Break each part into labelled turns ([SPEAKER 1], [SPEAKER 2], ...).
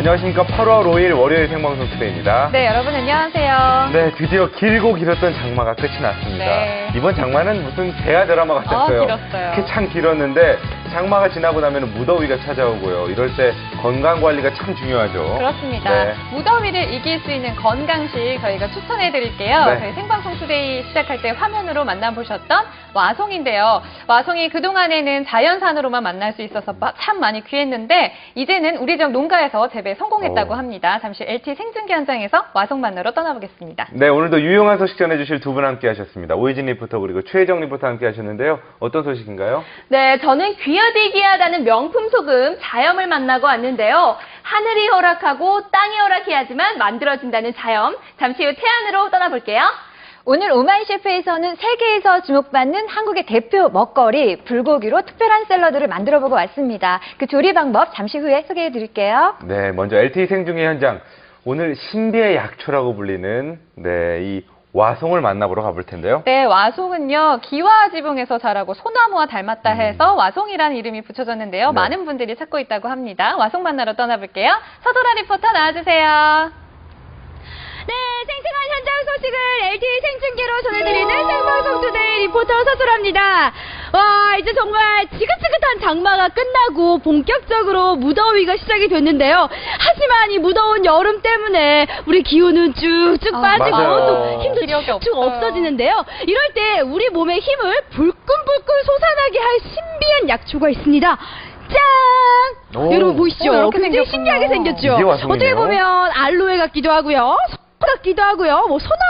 [SPEAKER 1] 안녕하십니까. 8월 5일 월요일 생방송 투데이입니다.
[SPEAKER 2] 네, 여러분 안녕하세요.
[SPEAKER 1] 네, 드디어 길고 길었던 장마가 끝이 났습니다.
[SPEAKER 2] 네.
[SPEAKER 1] 이번 장마는 무슨 대하 드라마 같았어요.
[SPEAKER 2] 길었어요.
[SPEAKER 1] 참 길었는데 장마가 지나고 나면 무더위가 찾아오고요. 이럴 때 건강 관리가 참 중요하죠.
[SPEAKER 2] 그렇습니다.
[SPEAKER 1] 네.
[SPEAKER 2] 무더위를 이길 수 있는 건강식 저희가 추천해 드릴게요.
[SPEAKER 1] 네.
[SPEAKER 2] 저희 생방송 투데이 시작할 때 화면으로 만나보셨던 와송인데요. 와송이 그동안에는 자연산으로만 만날 수 있어서 참 많이 귀했는데 이제는 우리 지역 농가에서 재배 성공했다고 합니다. 잠시 LTE 생중계 현장에서 와송 만나러 떠나보겠습니다.
[SPEAKER 1] 네, 오늘도 유용한 소식 전해주실 두 분 함께 하셨습니다. 오희진 리포터 그리고 최혜정 리포터 함께 하셨는데요. 어떤 소식인가요?
[SPEAKER 3] 네, 저는 귀하디 귀하다는 명품 소금 자염을 만나고 왔는데요. 하늘이 허락하고 땅이 허락해야지만 만들어진다는 자염. 잠시 후 태안으로 떠나볼게요.
[SPEAKER 4] 오늘 오마이 셰프에서는 세계에서 주목받는 한국의 대표 먹거리 불고기로 특별한 샐러드를 만들어보고 왔습니다. 그 조리 방법 잠시 후에 소개해드릴게요.
[SPEAKER 1] 네, 먼저 LTE 생중계 현장. 오늘 신비의 약초라고 불리는 이 와송을 만나보러 가볼 텐데요.
[SPEAKER 2] 네, 와송은요, 기와 지붕에서 자라고 소나무와 닮았다 해서 와송이라는 이름이 붙여졌는데요.
[SPEAKER 1] 네.
[SPEAKER 2] 많은 분들이 찾고 있다고 합니다. 와송 만나러 떠나볼게요. 서도라 리포터 나와주세요.
[SPEAKER 3] 네, 생생한 현장 소식을 LTE 생중계로 전해드리는 생방송 투데이 리포터 서술합니다. 와, 이제 정말 지긋지긋한 장마가 끝나고 본격적으로 무더위가 시작이 됐는데요. 하지만 이 무더운 여름 때문에 우리 기운은 쭉쭉 빠지고
[SPEAKER 1] 맞아요.
[SPEAKER 3] 또 힘도
[SPEAKER 2] 기력이
[SPEAKER 3] 쭉쭉
[SPEAKER 2] 없어요.
[SPEAKER 3] 없어지는데요. 이럴 때 우리 몸의 힘을 불끈불끈 솟아나게 할 신비한 약초가 있습니다. 짠!
[SPEAKER 1] 오.
[SPEAKER 3] 여러분 보이시죠?
[SPEAKER 2] 이렇게
[SPEAKER 3] 굉장히
[SPEAKER 2] 생겼군요.
[SPEAKER 3] 신기하게 생겼죠?
[SPEAKER 1] 이게 와송이네요.
[SPEAKER 3] 어떻게 보면 알로에 같기도 하고요. 같기도 하고요. 뭐 소나무.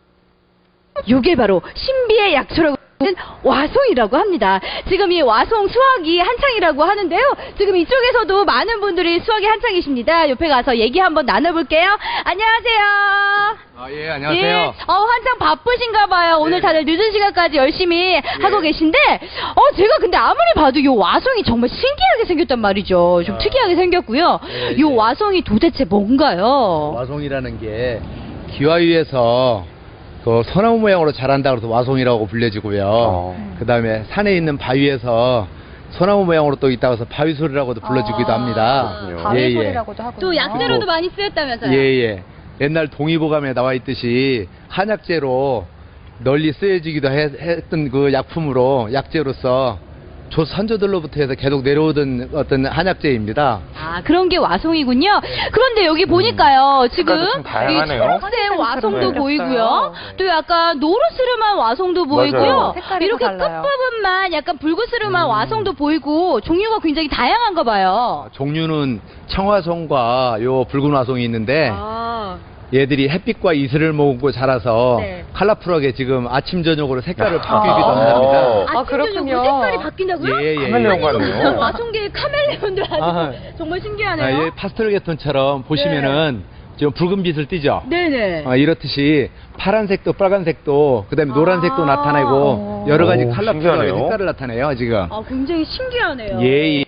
[SPEAKER 3] 이게 바로 신비의 약초라고 하는 와송이라고 합니다. 지금 이 와송 수확이 한창이라고 하는데요. 지금 이쪽에서도 많은 분들이 수확이 한창이십니다. 옆에 가서 얘기 한번 나눠볼게요. 안녕하세요.
[SPEAKER 5] 예, 안녕하세요.
[SPEAKER 3] 예, 한창 바쁘신가 봐요. 오늘 다들 늦은 시간까지 열심히 하고 계신데, 제가 근데 아무리 봐도 이 와송이 정말 신기하게 생겼단 말이죠. 좀 특이하게 생겼고요.
[SPEAKER 5] 예,
[SPEAKER 3] 이 와송이 도대체 뭔가요?
[SPEAKER 5] 와송이라는 게 기와위에서 그 소나무 모양으로 자란다 그래서 와송이라고 불려지고요. 그 다음에 산에 있는 바위에서 소나무 모양으로 또 있다고 해서 바위소리라고도 불러주기도 합니다.
[SPEAKER 1] 그렇군요.
[SPEAKER 2] 바위 소리라고도 하고요.
[SPEAKER 3] 또 약재로도 많이 쓰였다면서요?
[SPEAKER 5] 예. 옛날 동의보감에 나와 있듯이 한약재로 널리 쓰여지기도 했던 그 약품으로 약재로서 선조들로부터 해서 계속 내려오던 어떤 한약재입니다.
[SPEAKER 3] 아, 그런 게 와송이군요. 그런데 여기 보니까요, 지금
[SPEAKER 1] 색깔도 참 다양하네요.
[SPEAKER 3] 초록색 와송도
[SPEAKER 2] 네.
[SPEAKER 3] 보이고요. 또 약간 노르스름한 와송도 보이고요.
[SPEAKER 1] 맞아요.
[SPEAKER 2] 색깔이
[SPEAKER 3] 이렇게
[SPEAKER 2] 다 달라요.
[SPEAKER 3] 끝부분만 약간 붉으스름한 와송도 보이고 종류가 굉장히 다양한가 봐요.
[SPEAKER 5] 종류는 청화송과 요 붉은 와송이 있는데
[SPEAKER 3] 아,
[SPEAKER 5] 얘들이 햇빛과 이슬을 머금고 자라서
[SPEAKER 3] 네.
[SPEAKER 5] 컬러풀하게 지금 아침 저녁으로 색깔을 바뀌기도
[SPEAKER 1] 아.
[SPEAKER 5] 합니다.
[SPEAKER 2] 아, 그렇군요.
[SPEAKER 3] 색깔이 바뀐다고요?
[SPEAKER 5] 예.
[SPEAKER 1] 카멜레온 같네요.
[SPEAKER 3] 와송계의 카멜레온들 아주
[SPEAKER 5] 아.
[SPEAKER 3] 정말 신기하네요.
[SPEAKER 5] 예, 파스텔 계톤처럼 보시면은 지금 붉은 빛을 띠죠.
[SPEAKER 3] 네네.
[SPEAKER 5] 이렇듯이 파란색도 빨간색도 그다음에 노란색도 나타내고 여러 가지
[SPEAKER 1] 오,
[SPEAKER 5] 컬러풀하게
[SPEAKER 1] 신기하네요.
[SPEAKER 5] 색깔을 나타내요 지금.
[SPEAKER 3] 아, 굉장히 신기하네요.
[SPEAKER 5] 예.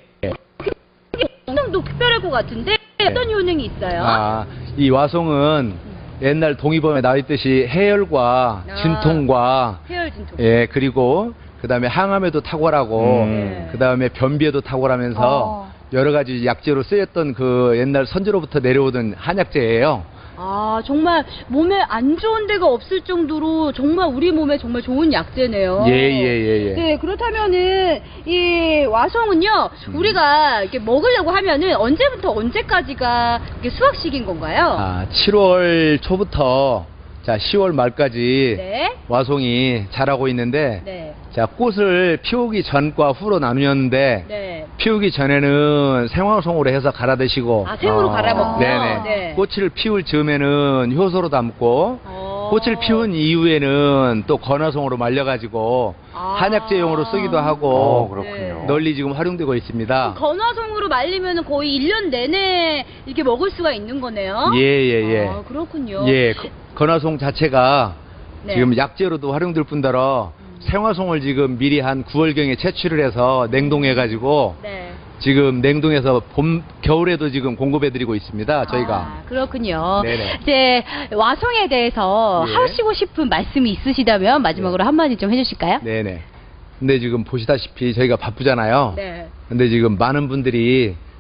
[SPEAKER 3] 효능도 특별할 것 같은데 어떤 효능이 있어요?
[SPEAKER 5] 이 와송은 옛날 동의범에 나와 있듯이 해열과 진통과
[SPEAKER 3] 해열 진통.
[SPEAKER 5] 예 그리고 그다음에 항암에도 탁월하고 그다음에 변비에도 탁월하면서 여러 가지 약재로 쓰였던 그 옛날 선조로부터 내려오던 한약재예요.
[SPEAKER 3] 아, 정말 몸에 안 좋은 데가 없을 정도로 정말 우리 몸에 정말 좋은 약재네요.
[SPEAKER 5] 예.
[SPEAKER 3] 네, 그렇다면은 이 와송은요, 우리가 이렇게 먹으려고 하면은 언제부터 언제까지가 이게 수확식인 건가요?
[SPEAKER 5] 7월 초부터 자 10월 말까지
[SPEAKER 3] 네.
[SPEAKER 5] 와송이 자라고 있는데
[SPEAKER 3] 네.
[SPEAKER 5] 자 꽃을 피우기 전과 후로 나누었는데
[SPEAKER 3] 네.
[SPEAKER 5] 피우기 전에는 생화송으로 해서 갈아 드시고
[SPEAKER 3] 아, 생으로 갈아 먹고요.
[SPEAKER 5] 네네.
[SPEAKER 3] 네.
[SPEAKER 5] 꽃을 피울 즈음에는 효소로 담고 꽃을 피운 이후에는 또 건화송으로 말려가지고 한약재용으로 쓰기도 하고
[SPEAKER 1] 그렇군요.
[SPEAKER 5] 널리 지금 활용되고 있습니다.
[SPEAKER 3] 건화송으로 말리면 거의 1년 내내 이렇게 먹을 수가 있는 거네요.
[SPEAKER 5] 예.
[SPEAKER 3] 아, 그렇군요.
[SPEAKER 5] 예, 건화송 자체가
[SPEAKER 3] 네.
[SPEAKER 5] 지금 약재로도 활용될 뿐더러 생화송을 지금 미리 한 9월경에 채취를 해서 냉동해가지고
[SPEAKER 3] 네.
[SPEAKER 5] 지금 냉동해서 겨울에도 지금 공급해드리고 있습니다. 저희가.
[SPEAKER 3] 아, 그렇군요.
[SPEAKER 5] 네네.
[SPEAKER 3] 이제 와송에 대해서
[SPEAKER 5] 예.
[SPEAKER 3] 하시고 싶은 말씀이 있으시다면 마지막으로 한마디 좀 해주실까요?
[SPEAKER 5] 네네. 근데 지금 보시다시피 저희가 바쁘잖아요.
[SPEAKER 3] 네.
[SPEAKER 5] 근데 지금 많은 분들이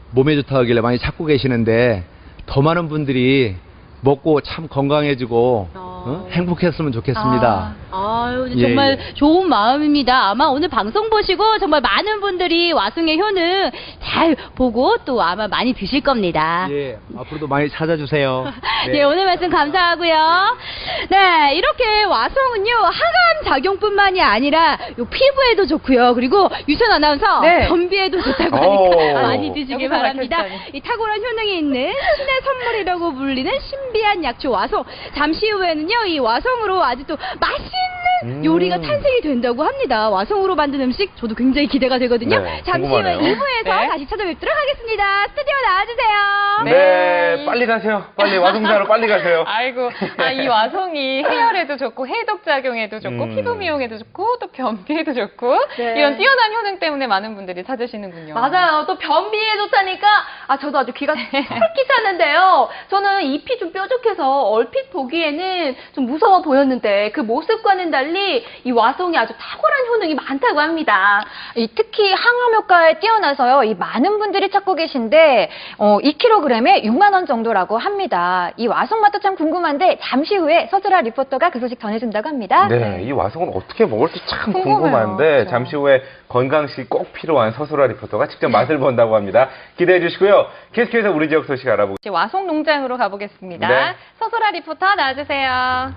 [SPEAKER 5] 몸에 좋다고 하길래 많이 찾고 계시는데 더 많은 분들이 먹고 참 건강해지고 행복했으면 좋겠습니다.
[SPEAKER 3] 아유,
[SPEAKER 5] 예,
[SPEAKER 3] 정말
[SPEAKER 5] 예.
[SPEAKER 3] 좋은 마음입니다. 아마 오늘 방송 보시고 정말 많은 분들이 와송의 효능 잘 보고 또 아마 많이 드실 겁니다.
[SPEAKER 5] 예, 앞으로도 많이 찾아주세요.
[SPEAKER 3] 네, 오늘 말씀 감사하고요. 네, 이렇게 와송은요, 항암 작용뿐만이 아니라 요 피부에도 좋고요. 그리고 유선 아나운서,
[SPEAKER 4] 네.
[SPEAKER 3] 변비에도 좋다고
[SPEAKER 1] 오.
[SPEAKER 3] 하니까 많이 드시길
[SPEAKER 2] 여기서
[SPEAKER 3] 바랍니다.
[SPEAKER 2] 밝혀주다니.
[SPEAKER 3] 이 탁월한 효능이 있는 신의 선물이라고 불리는 신비한 약초 와송. 잠시 후에는요, 이 와송으로 아주 또 맛있는 요리가 탄생이 된다고 합니다. 와송으로 만든 음식, 저도 굉장히 기대가 되거든요.
[SPEAKER 1] 네,
[SPEAKER 3] 잠시 후에
[SPEAKER 1] 궁금하네요.
[SPEAKER 3] 2부에서
[SPEAKER 2] 네.
[SPEAKER 3] 다시 찾아뵙도록 하겠습니다. 스튜디오 나와주세요.
[SPEAKER 1] 네, 빨리 가세요. 빨리 와송자로 빨리 가세요.
[SPEAKER 2] 아이고, 이 와송이 해열에도 좋고 해독 작용에도 좋고 피부 미용에도 좋고 또 변비에도 좋고
[SPEAKER 4] 네.
[SPEAKER 2] 이런 뛰어난 효능 때문에 많은 분들이 찾으시는군요.
[SPEAKER 4] 맞아요. 또 변비에 좋다니까 저도 아주 귀가 솔깃 샀는데요. 저는 잎이 좀 뾰족해서 얼핏 보기에는 좀 무서워 보였는데 그 모습과는 달리 이 와송이 아주 탁월한 효능이 많다고 합니다. 특히 항암 효과에 뛰어나서요. 이 많은 분들이 찾고 계신데 2kg에 6만 원 정도라고 합니다. 이 와송 맛도 참 궁금한데 잠시 후에 서주라 리포터가 그 소식 전해준다고 합니다.
[SPEAKER 1] 네, 이 와송은 어떻게 먹을지 참
[SPEAKER 2] 궁금해요.
[SPEAKER 1] 궁금한데
[SPEAKER 2] 그렇죠.
[SPEAKER 1] 잠시 후에 건강식이 꼭 필요한 서수라 리포터가 직접 맛을 본다고 합니다. 기대해 주시고요. 계속해서 우리 지역 소식 알아보고
[SPEAKER 2] 이제 와송 농장으로 가보겠습니다.
[SPEAKER 1] 네.
[SPEAKER 2] 서소라 리포터 나와주세요.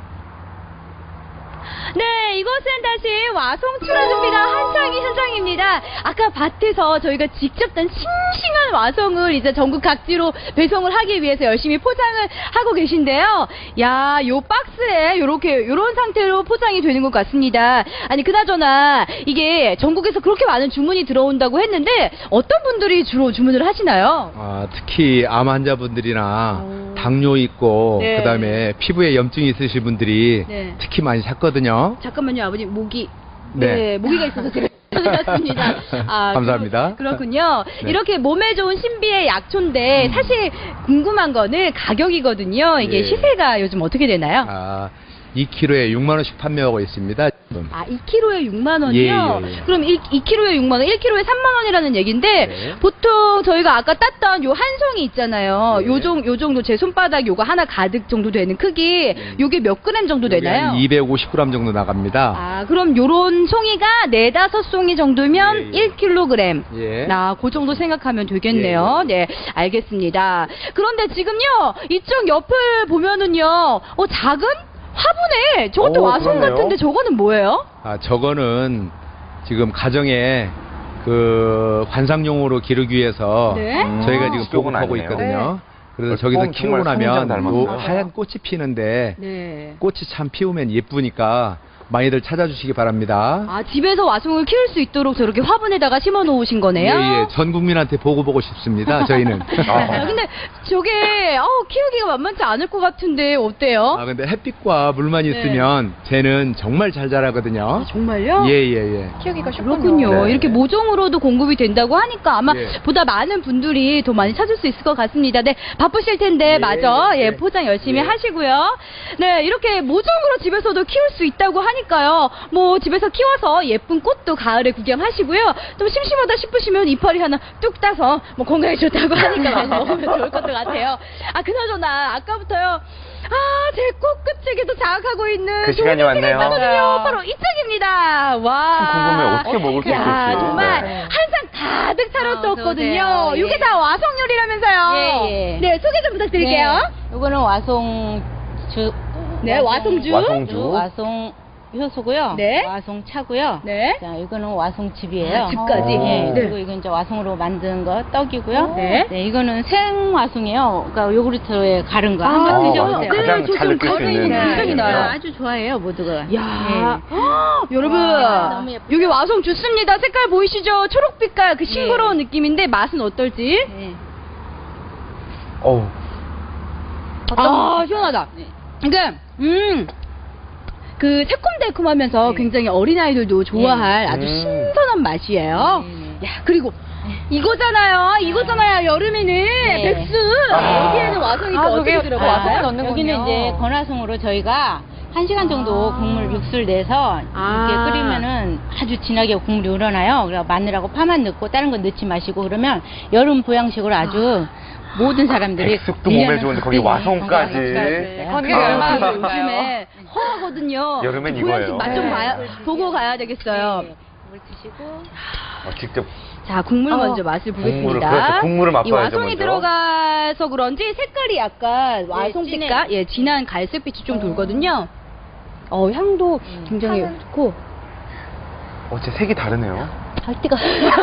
[SPEAKER 3] 네, 이곳은 다시 와송 출하 준비가 한창인 현장입니다. 아까 밭에서 저희가 직접 단 싱싱한 와송을 이제 전국 각지로 배송을 하기 위해서 열심히 포장을 하고 계신데요. 야, 요 박스에 요런 상태로 포장이 되는 것 같습니다. 아니, 그나저나 이게 전국에서 그렇게 많은 주문이 들어온다고 했는데 어떤 분들이 주로 주문을 하시나요?
[SPEAKER 5] 특히 암 환자분들이나 당뇨 있고
[SPEAKER 3] 네.
[SPEAKER 5] 그다음에 피부에 염증이 있으신 분들이
[SPEAKER 3] 네.
[SPEAKER 5] 특히 많이 찾거든요.
[SPEAKER 3] 잠깐만요, 아버님. 모기가
[SPEAKER 5] 네.
[SPEAKER 3] 있어서 제가 찾아봤습니다.
[SPEAKER 5] 감사합니다.
[SPEAKER 3] 그렇군요.
[SPEAKER 5] 네.
[SPEAKER 3] 이렇게 몸에 좋은 신비의 약초인데 사실 궁금한 거는 가격이거든요. 이게
[SPEAKER 5] 예.
[SPEAKER 3] 시세가 요즘 어떻게 되나요?
[SPEAKER 5] 2kg에 6만 원씩 판매하고 있습니다.
[SPEAKER 3] 2kg에 6만 원이요?
[SPEAKER 5] 예, 예, 예.
[SPEAKER 3] 그럼 2kg에 6만 원, 1kg에 3만 원이라는 얘기인데
[SPEAKER 5] 네.
[SPEAKER 3] 보통 저희가 아까 땄던 요 한 송이 있잖아요.
[SPEAKER 5] 네.
[SPEAKER 3] 요 정도 제 손바닥 요거 하나 가득 정도 되는 크기. 요게 몇 그램 정도 되나요?
[SPEAKER 5] 250g 정도 나갑니다.
[SPEAKER 3] 그럼 요런 송이가 4-5송이 정도면
[SPEAKER 5] 예, 예.
[SPEAKER 3] 1kg.
[SPEAKER 5] 예.
[SPEAKER 3] 그 정도 생각하면 되겠네요. 네, 알겠습니다. 그런데 지금요, 이쪽 옆을 보면은요, 작은 화분에 저것도
[SPEAKER 1] 오,
[SPEAKER 3] 와송
[SPEAKER 1] 그러네요.
[SPEAKER 3] 같은데 저거는 뭐예요?
[SPEAKER 5] 저거는 지금 가정에 그 관상용으로 기르기 위해서
[SPEAKER 3] 네?
[SPEAKER 5] 저희가 지금
[SPEAKER 1] 수족은
[SPEAKER 5] 보급하고
[SPEAKER 1] 아니네요.
[SPEAKER 5] 있거든요. 그래서
[SPEAKER 1] 어,
[SPEAKER 5] 저기서
[SPEAKER 1] 정말
[SPEAKER 5] 키우고
[SPEAKER 1] 성장
[SPEAKER 5] 나면
[SPEAKER 1] 닮았어요.
[SPEAKER 5] 요 하얀 꽃이 피는데
[SPEAKER 3] 네.
[SPEAKER 5] 꽃이 참 피우면 예쁘니까 많이들 찾아주시기 바랍니다.
[SPEAKER 3] 집에서 와송을 키울 수 있도록 저렇게 화분에다가 심어 놓으신 거네요?
[SPEAKER 5] 예, 전 국민한테 보고 싶습니다. 저희는.
[SPEAKER 3] 근데 저게 키우기가 만만치 않을 것 같은데 어때요?
[SPEAKER 5] 근데 햇빛과 물만 있으면 쟤는 정말 잘 자라거든요.
[SPEAKER 3] 정말요?
[SPEAKER 5] 예.
[SPEAKER 2] 키우기가 쉽군요.
[SPEAKER 3] 그렇군요.
[SPEAKER 1] 네.
[SPEAKER 3] 이렇게 모종으로도 공급이 된다고 하니까 아마
[SPEAKER 5] 예.
[SPEAKER 3] 보다 많은 분들이 더 많이 찾을 수 있을 것 같습니다. 네, 바쁘실 텐데
[SPEAKER 5] 예,
[SPEAKER 3] 마저
[SPEAKER 5] 예.
[SPEAKER 3] 포장 열심히
[SPEAKER 5] 예.
[SPEAKER 3] 하시고요. 네, 이렇게 모종으로 집에서도 키울 수 있다고 하니까요. 뭐 집에서 키워서 예쁜 꽃도 가을에 구경하시고요. 좀 심심하다 싶으시면 이파리 하나 뚝 따서 뭐 건강에 좋다고 하니까 많이 먹으면 좋을 것 같아요. 그나저나 아까부터요. 제 꽃끝에게도 자극하고 있는
[SPEAKER 1] 그 시간이
[SPEAKER 3] 좋은
[SPEAKER 1] 왔네요.
[SPEAKER 3] 있거든요.
[SPEAKER 2] 맞아요.
[SPEAKER 3] 바로 이쪽입니다. 와.
[SPEAKER 1] 참 궁금해요. 어떻게 먹을 수
[SPEAKER 3] 야,
[SPEAKER 1] 있을지.
[SPEAKER 3] 정말
[SPEAKER 1] 네.
[SPEAKER 3] 한 상 가득 차렸었거든요.
[SPEAKER 2] 어서 오세요.
[SPEAKER 3] 이게 다 와송 요리라면서요.
[SPEAKER 6] 예.
[SPEAKER 3] 네, 소개 좀 부탁드릴게요.
[SPEAKER 6] 네, 요거는 와송주.
[SPEAKER 3] 네, 와송주.
[SPEAKER 1] 와송주.
[SPEAKER 6] 와송 효소고요.
[SPEAKER 3] 네.
[SPEAKER 6] 와송 차고요.
[SPEAKER 3] 네.
[SPEAKER 6] 자, 이거는 와송즙이에요.
[SPEAKER 3] 즙까지.
[SPEAKER 6] 예.
[SPEAKER 3] 네.
[SPEAKER 6] 그리고 이건 이제 와송으로 만든 거 떡이고요.
[SPEAKER 3] 네.
[SPEAKER 6] 이거는 생와송이에요. 그러니까 요구르트에 가른 거 한번
[SPEAKER 3] 아,
[SPEAKER 6] 드셔보세요.
[SPEAKER 1] 가장 잘 느낄 수 있는
[SPEAKER 3] 굉장히다.
[SPEAKER 1] 맛이네요.
[SPEAKER 6] 아주 좋아해요, 모두가.
[SPEAKER 3] 야, 여러분,
[SPEAKER 6] 와, 너무 예쁘죠?
[SPEAKER 3] 여기 와송 좋습니다. 색깔 보이시죠? 초록빛깔 그 싱그러운 느낌인데 맛은 어떨지?
[SPEAKER 6] 예.
[SPEAKER 1] 어우,
[SPEAKER 3] 시원하다.
[SPEAKER 6] 네.
[SPEAKER 3] 그러니까 그 새콤달콤하면서
[SPEAKER 6] 네.
[SPEAKER 3] 굉장히 어린아이들도 좋아할 아주 신선한 맛이에요.
[SPEAKER 6] 네.
[SPEAKER 3] 야, 그리고 이거잖아요. 여름에는 백수. 여기에는 와송이 또
[SPEAKER 2] 저게
[SPEAKER 3] 어떻게 들어가요?
[SPEAKER 2] 와송을 넣는
[SPEAKER 6] 여기는
[SPEAKER 2] 거군요.
[SPEAKER 6] 이제 건화송으로 저희가 1시간 정도 국물 육수를 내서 이렇게 끓이면은 아주 진하게 국물이 우러나요. 그래서 마늘하고 파만 넣고 다른 건 넣지 마시고 그러면 여름 보양식으로 아주 모든 사람들이
[SPEAKER 1] 백숙도 몸에 좋은데 거기 와송까지.
[SPEAKER 2] 건강이
[SPEAKER 1] 아.
[SPEAKER 2] 얼마나 좋을까요?
[SPEAKER 3] 요즘에 허하거든요.
[SPEAKER 1] 여름엔
[SPEAKER 3] 보양식
[SPEAKER 1] 이거예요.
[SPEAKER 3] 맛 좀 보고 가야 되겠어요.
[SPEAKER 6] 물 드시고
[SPEAKER 1] 직접
[SPEAKER 3] 자, 국물 먼저 맛을 보겠습니다.
[SPEAKER 1] 그렇죠. 국물을
[SPEAKER 3] 이
[SPEAKER 1] 맛봐야죠,
[SPEAKER 3] 와송이
[SPEAKER 1] 먼저.
[SPEAKER 3] 들어가서 그런지 색깔이 약간 와송
[SPEAKER 6] 진해.
[SPEAKER 3] 색깔, 진한 갈색빛이 좀 돌거든요. 향도 굉장히 좋고.
[SPEAKER 1] 진짜 색이 다르네요.
[SPEAKER 3] 할 때가.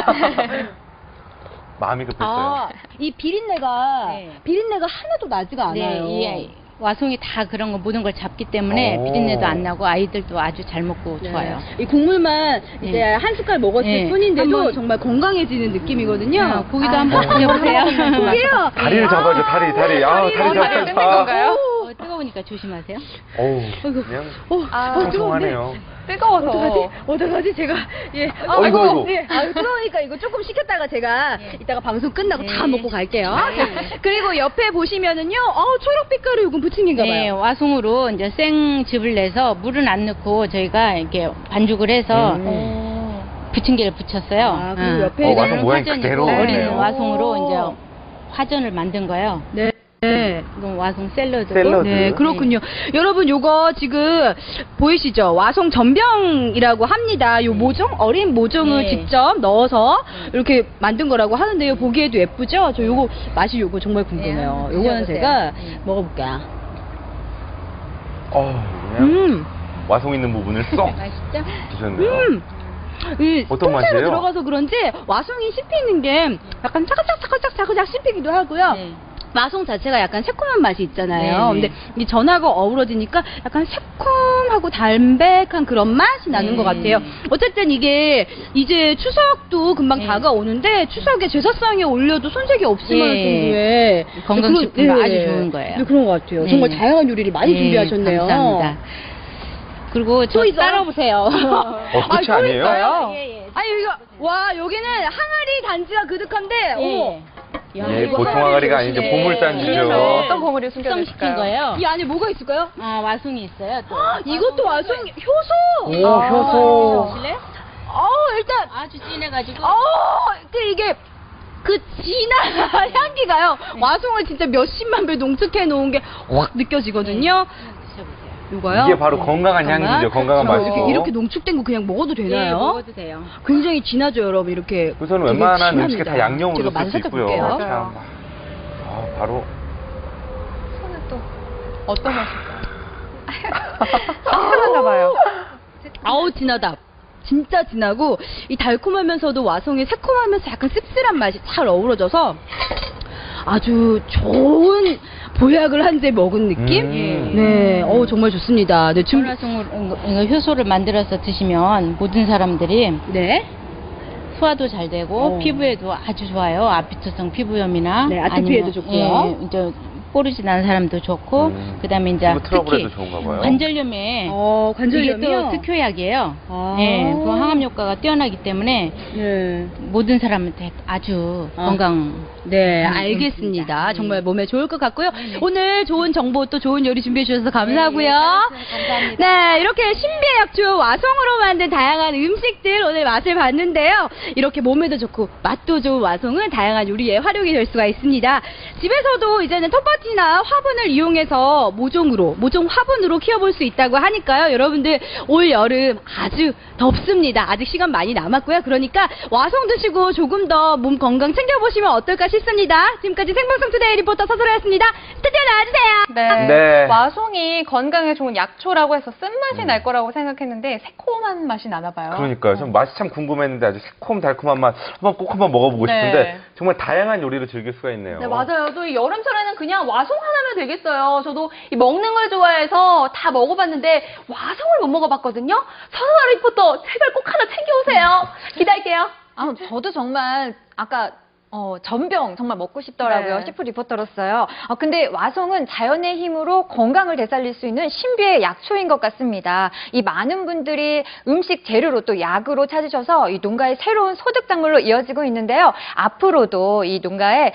[SPEAKER 1] 마음이 급했어요.
[SPEAKER 3] 이 비린내가 하나도 나지가 않아요.
[SPEAKER 6] 네, 이 와송이 다 그런 거 모든 걸 잡기 때문에
[SPEAKER 1] 오.
[SPEAKER 6] 비린내도 안 나고 아이들도 아주 잘 먹고 좋아요.
[SPEAKER 3] 이 국물만 이제 한 숟갈 먹었을
[SPEAKER 6] 네.
[SPEAKER 3] 뿐인데도
[SPEAKER 6] 한번-
[SPEAKER 3] 정말 건강해지는 느낌이거든요.
[SPEAKER 6] 고기도 한번 드셔보세요.
[SPEAKER 3] 고기요?
[SPEAKER 1] 다리를 잡아줘, 다리.
[SPEAKER 3] 다리
[SPEAKER 1] 다리
[SPEAKER 2] 뜯는
[SPEAKER 1] 잡아줘.
[SPEAKER 2] 건가요?
[SPEAKER 6] 뜨거우니까 조심하세요.
[SPEAKER 1] 어우, 그냥
[SPEAKER 3] 뜨거운데.
[SPEAKER 1] 통통하네요.
[SPEAKER 2] 뜨거워서.
[SPEAKER 3] 어떡하지? 제가,
[SPEAKER 1] 아이고.
[SPEAKER 3] 뜨거우니까 이거 조금 식혔다가 제가 이따가 방송 끝나고 다 먹고 갈게요. 그리고 옆에 보시면은요, 초록빛깔의 요건 부침개인가 봐요.
[SPEAKER 6] 네, 와송으로 이제 생즙을 내서 물은 안 넣고 저희가 이렇게 반죽을 해서 부침개를 붙였어요.
[SPEAKER 3] 그리고 옆에
[SPEAKER 1] 와송 모양이
[SPEAKER 6] 화전이고
[SPEAKER 1] 그대로
[SPEAKER 6] 어린
[SPEAKER 1] 오네요.
[SPEAKER 6] 와송으로 이제 화전을 만든 거예요.
[SPEAKER 3] 네.
[SPEAKER 6] 이건 와송 샐러드고.
[SPEAKER 1] 샐러드.
[SPEAKER 3] 네, 그렇군요. 여러분, 요거 지금 보이시죠? 와송 전병이라고 합니다. 요 모종, 어린 모종을
[SPEAKER 6] 네.
[SPEAKER 3] 직접 넣어서 이렇게 만든 거라고 하는데요. 보기에도 예쁘죠? 저 요거, 맛이 요거 정말 궁금해요.
[SPEAKER 6] 네,
[SPEAKER 3] 요거는
[SPEAKER 6] 드셔보세요.
[SPEAKER 3] 제가
[SPEAKER 6] 네.
[SPEAKER 3] 먹어볼게요.
[SPEAKER 1] 그냥 와송 있는 부분을 쏙
[SPEAKER 6] 맛있죠?
[SPEAKER 1] 드셨네요.
[SPEAKER 3] 이
[SPEAKER 1] 어떤
[SPEAKER 3] 통째로
[SPEAKER 1] 맛이에요?
[SPEAKER 3] 들어가서 그런지 와송이 씹히는 게 약간 차근차근차근차근 씹히기도 하고요.
[SPEAKER 6] 네.
[SPEAKER 3] 마송 자체가 약간 새콤한 맛이 있잖아요.
[SPEAKER 6] 네, 네.
[SPEAKER 3] 근데 이 전하고 어우러지니까 약간 새콤하고 담백한 그런 맛이 나는 것 같아요. 어쨌든 이게 이제 추석도 금방
[SPEAKER 6] 네.
[SPEAKER 3] 다가오는데 추석에 제사상에 올려도 손색이 없을 만한
[SPEAKER 6] 네.
[SPEAKER 3] 정도의
[SPEAKER 6] 건강식품으로 아주 좋은 거예요.
[SPEAKER 3] 네, 그런 것 같아요.
[SPEAKER 6] 네.
[SPEAKER 3] 정말 다양한 요리를 많이
[SPEAKER 6] 네,
[SPEAKER 3] 준비하셨네요.
[SPEAKER 6] 감사합니다.
[SPEAKER 3] 또
[SPEAKER 6] 그리고 저
[SPEAKER 3] 있어요?
[SPEAKER 6] 따라오세요.
[SPEAKER 1] 끝이
[SPEAKER 3] 또
[SPEAKER 1] 아니에요?
[SPEAKER 3] 있어요?
[SPEAKER 6] 예.
[SPEAKER 3] 아니 이거 와 여기는 항아리 단지가 그득한데 어머
[SPEAKER 1] 네, 보통 항아리가 아니죠. 보물단지죠.
[SPEAKER 2] 어떤 보물이
[SPEAKER 6] 숙성시킨
[SPEAKER 2] 숨겨졌을까요?
[SPEAKER 6] 거예요.
[SPEAKER 3] 이 안에 뭐가 있을까요?
[SPEAKER 6] 와송이 있어요. 또.
[SPEAKER 3] 이것도 와송 효소.
[SPEAKER 1] 오, 효소.
[SPEAKER 6] 보실래요?
[SPEAKER 3] 일단
[SPEAKER 6] 아주 진해가지고.
[SPEAKER 3] 이게 그 진한 향기가요. 와송을 진짜 몇십만 배 농축해 놓은 게 확 느껴지거든요.
[SPEAKER 6] 드셔보세요.
[SPEAKER 3] 이거요?
[SPEAKER 1] 이게 바로 건강한 향기죠. 건강한 맛이고.
[SPEAKER 3] 이렇게 농축된 거 그냥 먹어도
[SPEAKER 6] 네,
[SPEAKER 3] 되나요?
[SPEAKER 6] 먹어도 돼요.
[SPEAKER 3] 굉장히 진하죠, 여러분. 이렇게.
[SPEAKER 1] 우선
[SPEAKER 3] 되게
[SPEAKER 1] 웬만한
[SPEAKER 3] 진합니다.
[SPEAKER 1] 음식에 다 양념으로
[SPEAKER 3] 제가
[SPEAKER 1] 쓸 수
[SPEAKER 3] 맛 살짝
[SPEAKER 1] 있고요.
[SPEAKER 3] 볼게요.
[SPEAKER 1] 참. 바로
[SPEAKER 2] 손은 또 어떤 맛일까요? 신선한가 봐요.
[SPEAKER 3] 아우 진하다. 진짜 진하고 이 달콤하면서도 와송이 새콤하면서 약간 씁쓸한 맛이 잘 어우러져서 아주 좋은 보약을 한 대 먹은 느낌? 네, 정말 좋습니다. 네,
[SPEAKER 6] 전화송으로 이거 효소를 만들어서 드시면 모든 사람들이
[SPEAKER 3] 네.
[SPEAKER 6] 소화도 잘 되고 피부에도 아주 좋아요. 아피투성 피부염이나
[SPEAKER 3] 네, 아토피에도
[SPEAKER 6] 아니면,
[SPEAKER 3] 좋고요.
[SPEAKER 6] 예, 이제 뽀르지 난 사람도 좋고 그다음에 이제
[SPEAKER 1] 피부 트러블에도
[SPEAKER 6] 특히
[SPEAKER 1] 좋은가 봐요.
[SPEAKER 6] 관절염에
[SPEAKER 3] 관절염이요?
[SPEAKER 6] 이게 또 특효약이에요.
[SPEAKER 3] 아.
[SPEAKER 6] 네, 그 항암 효과가 뛰어나기 때문에
[SPEAKER 3] 네.
[SPEAKER 6] 모든 사람한테 아주 건강.
[SPEAKER 3] 네, 알겠습니다. 정말 몸에 좋을 것 같고요. 오늘 좋은 정보 또 좋은 요리 준비해 주셔서 감사하고요.
[SPEAKER 6] 감사합니다.
[SPEAKER 3] 네, 이렇게 신비의 약초 와송으로 만든 다양한 음식들 오늘 맛을 봤는데요. 이렇게 몸에도 좋고 맛도 좋은 와송은 다양한 요리에 활용이 될 수가 있습니다. 집에서도 이제는 텃밭이나 화분을 이용해서 모종 화분으로 키워볼 수 있다고 하니까요. 여러분들 올 여름 아주 덥습니다. 아직 시간 많이 남았고요. 그러니까 와송 드시고 조금 더 몸 건강 챙겨보시면 어떨까 싶습니다. 지금까지 생방송 투데이 리포터 서소라였습니다. 스튜디오 나와주세요.
[SPEAKER 2] 네.
[SPEAKER 1] 네.
[SPEAKER 2] 와송이 건강에 좋은 약초라고 해서 쓴맛이 날 거라고 생각했는데 새콤한 맛이 나나 봐요.
[SPEAKER 1] 그러니까요. 전 맛이 참 궁금했는데 아주 새콤달콤한 맛 꼭 한번 먹어보고
[SPEAKER 2] 네.
[SPEAKER 1] 싶은데 정말 다양한 요리를 즐길 수가 있네요.
[SPEAKER 4] 네, 맞아요. 또 이 여름철에는 그냥 와송 하나면 되겠어요. 저도 이 먹는 걸 좋아해서 다 먹어봤는데 와송을 못 먹어봤거든요. 서소라 리포터 제발 꼭 하나 챙겨오세요. 기다릴게요.
[SPEAKER 2] 저도 정말 아까 전병 정말 먹고 싶더라고요.
[SPEAKER 4] 네.
[SPEAKER 2] 시프 리포터로서요. 근데 와송은 자연의 힘으로 건강을 되살릴 수 있는 신비의 약초인 것 같습니다. 이 많은 분들이 음식 재료로 또 약으로 찾으셔서 이 농가의 새로운 소득 작물로 이어지고 있는데요. 앞으로도 이 농가의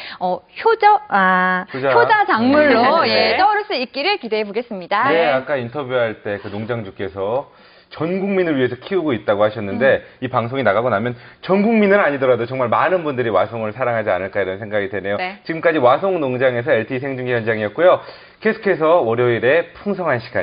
[SPEAKER 2] 효자 작물로
[SPEAKER 1] 네.
[SPEAKER 2] 예, 떠오를 수 있기를 기대해 보겠습니다.
[SPEAKER 1] 네, 아까 인터뷰할 때 그 농장주께서 전 국민을 위해서 키우고 있다고 하셨는데 이 방송이 나가고 나면 전 국민은 아니더라도 정말 많은 분들이 와송을 사랑하지 않을까 이런 생각이 드네요.
[SPEAKER 2] 네.
[SPEAKER 1] 지금까지 와송 농장에서 LTE 생중계 현장이었고요. 계속해서 월요일에 풍성한 시간